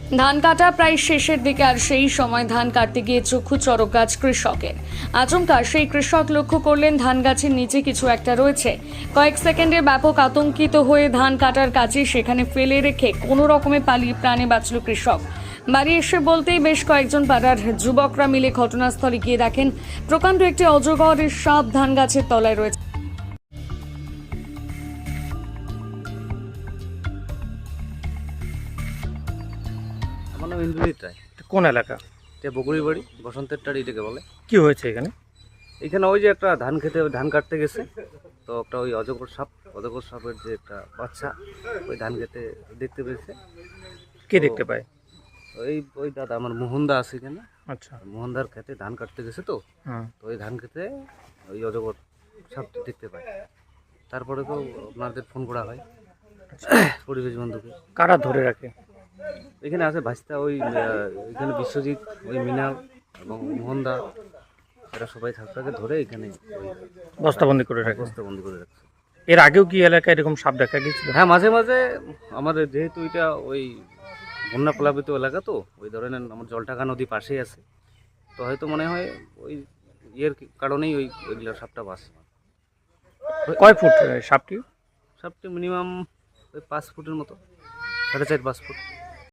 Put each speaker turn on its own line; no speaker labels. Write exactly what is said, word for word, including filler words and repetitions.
ধান কাটা প্রায় শেষের দিকে, আর সেই সময় ধান কাটতে গিয়ে চক্ষু চড়ক গাছ কৃষকের। আচমকা সেই কৃষক লক্ষ্য করলেন ধান গাছের নিচে কিছু একটা রয়েছে। কয়েক সেকেন্ডে ব্যাপক আতঙ্কিত হয়ে ধান কাটার কাছে সেখানে ফেলে রেখে কোনো রকমে পালিয়ে প্রাণে বাঁচল কৃষক। বাড়ি এসে বলতেই বেশ কয়েকজন পাড়ার যুবকরা মিলে ঘটনাস্থলে গিয়ে দেখেন প্রকাণ্ড একটি অজগরের সাপ ধান গাছের তলায় রয়েছে।
আমার নাম ইন্দ্রজিৎ রায়।
কোন এলাকা?
এটা বগুড়ি বাড়ি, বসন্তের টাড়ি এটাকে বলে।
কি হয়েছে এখানে?
এখানে ওই যে একটা ধান খেতে ধান কাটতে গেছে, তো একটা ওই অজগর সাপ অজগর সাপের যে একটা বাচ্চা ওই ধান খেতে দেখতে পেয়েছে।
কে দেখতে পায়?
ওই ওই দাদা আমার মোহনদা আছে এখানে।
আচ্ছা।
মোহনদার খেতে ধান কাটতে গেছে, তো
হুম।
তো ওই ধান খেতে ওই অজগর সাপটি দেখতে পায়। তারপরে তো আপনাদের ফোন করা হয় পরিবেশ বন্ধুকে।
কারা ধরে রাখে?
এখানে আছে ভাস্তা, ওই আহ, এখানে বিশ্বজিৎ, ওই মিনাল এবং মোহনদা, এরা সবাই থাকতে ধরে এখানে ওই
বস্তাবন্দি করে রাখে।
বস্তাবন্দি করে রাখছে।
এর আগেও কি এলাকায় এরকম সাপ দেখা গিয়েছিল?
হ্যাঁ, মাঝে মাঝে আমাদের যেহেতু এটা ওই বন্যা প্লাবিত এলাকা, তো ওই ধরনের আমার জলটাকা নদী পাশেই আছে, তো হয়তো মনে হয় ওই ইয়ের কারণেই ওই ওইগুলো সাপটা বাস।
কয় ফুট সাপটি?
সাপটি মিনিমাম ওই পাঁচ ফুটের মতো, সাড়ে চার পাঁচ ফুট।